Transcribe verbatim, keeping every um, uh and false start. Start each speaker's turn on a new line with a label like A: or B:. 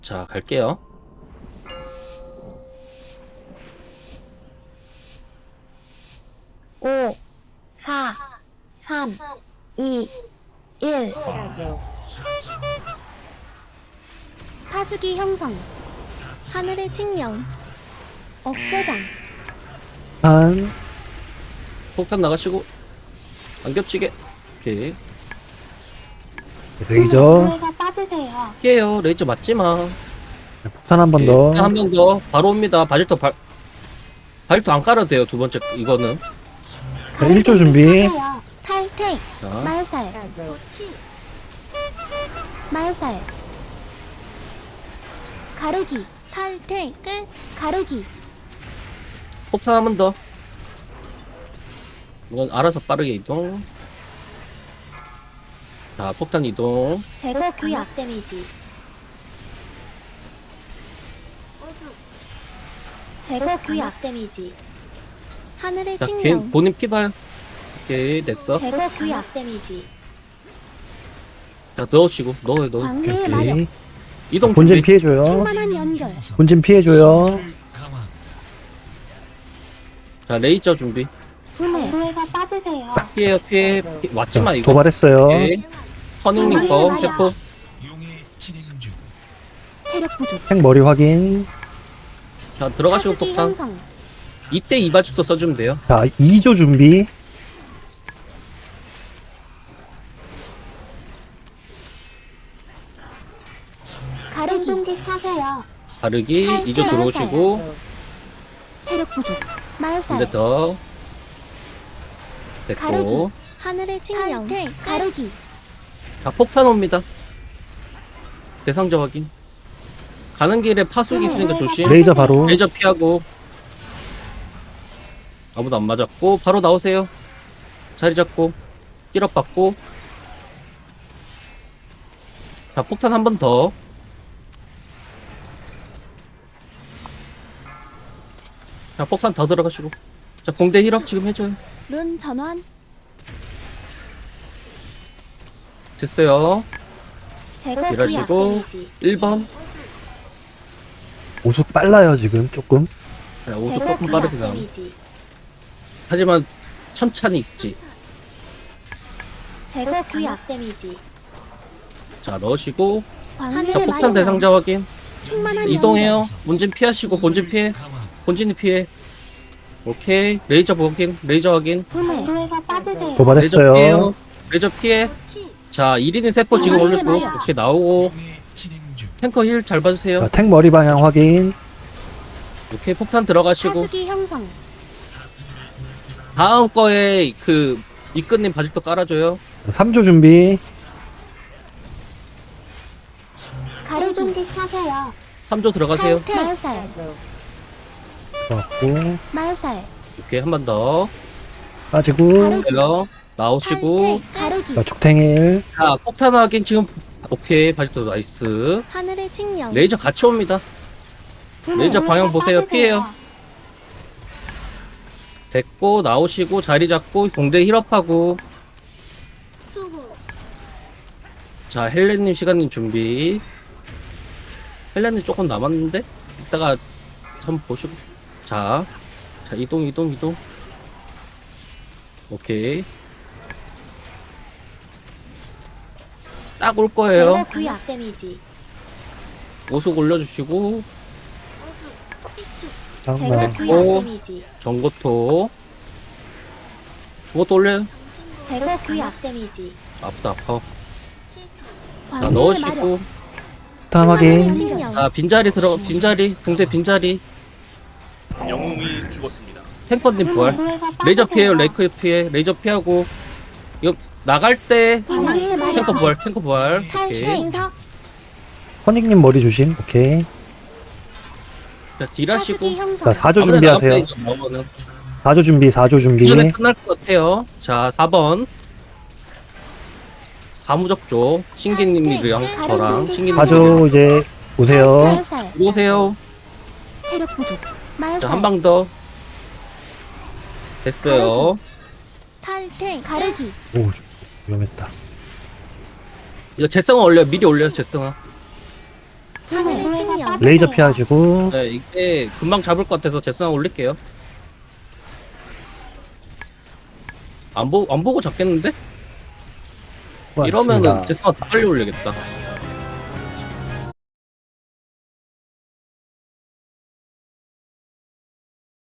A: 자, 갈게요.
B: 오, 사, 삼, 이, 일. 파수기 형성. 하늘의 칙령. 억제장.
C: 한
A: 폭탄 나가시고 안 겹치게. 오케이.
C: 레이저
B: 에서 빠지세요.
A: 피해요. 레이저 맞지마.
C: 폭탄 한 번 더.
A: 한 번 더. 바로 옵니다. 바질토 발 바질토 안 깔아도 돼요. 두 번째 이거는.
C: 자, 일 조 준비.
B: 탈퇴.
A: 자,
B: 말살. 말살. 가르기. 탈퇴. 끝. 가르기.
A: 폭탄 한 번 더. 이건 알아서 빠르게 이동. 자, 폭탄 이동.
B: 제거 규약 데미지. 제거 규약 데미지. 하늘의
A: 자, 걔
B: 칙령.
A: 본인 피 봐요. 오케이, 됐어.
B: 제거 규약 데미지.
A: 자, 넣으시고 넣어요, 넣어.
B: 광해의
A: 오케이.
B: 마력.
C: 오케이.
A: 이동
C: 본진
A: 준비.
C: 피해줘요.
B: 충만한 연결.
C: 본진 피해줘요.
A: 자, 레이저 준비.
B: 불매. 도로에서 빠지세요.
A: 피해요, 피해. 피... 맞지마
C: 자,
A: 이거.
C: 도발했어요.
A: 오케이. 허닝님 거
B: 광해의
A: 세포.
B: 체력 부족.
C: 탱 머리 확인.
A: 자, 들어가시고
B: 파수기
A: 폭탄.
B: 형성.
A: 이때 이바주도 써주면 돼요.
C: 자, 이 조 준비.
B: 가르기. 공격하세요.
A: 바르기
B: 탈퇴.
A: 이조 들어오시고
B: 체력 부족. 말살.
A: 근데 더
B: 가르기.
A: 됐고.
B: 하늘의 칙령. 가르기.
A: 자, 폭탄 옵니다. 대상자 확인. 가는 길에 파수기 있으니까 조심.
C: 레이저 바로.
A: 레이저 피하고. 아무도 안 맞았고 바로 나오세요. 자리 잡고 힐업 받고. 자, 폭탄 한 번 더. 자, 폭탄 더 들어가시고. 자, 공대 힐업 지금 해줘요.
B: 룬 전환.
A: 됐어요.
B: 제거 규약
A: 일하시고
B: 데미지.
A: 일 번.
C: 오숙 빨라요 지금 조금.
A: 자, 오수
B: 제거
A: 조금
B: 규약
A: 빠르게 가.
B: 데미지.
A: 하지만 천천히 있지.
B: 제거 규약 데미지.
A: 자, 넣으시고. 자,
B: 하늘의
A: 폭탄
B: 마력.
A: 대상자 확인.
B: 충만한
A: 이동해요. 본진 피하시고 본진 피해. 본진이 피해. 오케이. 레이저 확인. 레이저 확인.
B: 불매. 도로에서 빠지세요.
A: 레이저
C: 도발했어요.
A: 피해요. 레이저 피해. 자, 일 인인 세포 지금
B: 아,
A: 올려주고
B: 맞아요.
A: 이렇게 나오고. 탱커 힐 잘
C: 자,
A: 봐주세요.
C: 탱 머리 방향 확인.
A: 오케이. 폭탄 들어가시고.
B: 파수기 형성.
A: 다음 거에 그 이끈님 바질도 깔아줘요.
C: 삼 조 준비.
B: 가르기. 공격하세요.
A: 삼 조 들어가세요.
B: 말살.
C: 들어갔고.
B: 말살.
A: 오케이. 한 번 더.
C: 빠지고.
A: 이거 나오시고.
B: 탈퇴. 가르기.
C: 자, 죽탱일.
A: 자, 폭탄 확인 지금. 오케이. 바질도 나이스.
B: 하늘의 칙령.
A: 레이저 같이 옵니다.
B: 불매.
A: 레이저 방향 보세요.
B: 빠지세요.
A: 피해요. 됐고 나오시고 자리 잡고 공대 힐업하고.
B: 수고.
A: 자, 헬렌님 시간님 준비. 헬렌님 조금 남았는데 이따가 한번 보시고. 자, 자 이동 이동 이동. 오케이. 딱 올 거예요.
B: 제거 규약 데미지.
A: 오속 올려주시고
B: 제거
C: 잠깐만.
B: 규약
A: 오.
B: 데미지.
A: 전고토. 그것도 올려요.
B: 제거 규약 데미지.
A: 아프다 아파. 자,
B: 광해의
A: 넣으시고.
C: 폭탄 확인.
B: 칙령.
A: 자, 빈자리 들어 빈자리 공대 빈자리.
D: 영웅이 죽었습니다.
A: 탱커님 부활. 레이저 피해요. 레이크 피해. 레이저 피하고. 이거 나갈 때
B: 광해의 마력.
A: 탱커 부활. 탱커 부활.
B: 탈퇴.
A: 오케이.
B: 인석.
C: 허닉님 머리 조심. 오케이.
A: 자, 딜하시고.
B: 파수기 형성.
C: 자, 사 조
A: 아무데나
C: 준비하세요.
A: 나가면 돼, 나오면은.
C: 사 조 준비. 사 조 준비.
A: 이전에 끝날 것 같아요. 자, 사 번. 사무적조. 신기님이랑 저랑 신기님.
C: 사 조 이제 오세요.
B: 말살.
A: 오세요.
B: 체력 부족. 말살.
A: 자, 한 방 더. 됐어요.
B: 탈퇴. 가르기.
C: 오, 위험했다.
A: 이거 재성아 올려. 미리 올려, 재성아.
B: 하늘의 측면.
C: 레이저 피하시고.
A: 네, 이게 금방 잡을 것 같아서 제스상 올릴게요. 안, 보, 안 보고 잡겠는데? 이러면은
C: 수고하셨습니다.
A: 제스상 다 빨리 올리겠다.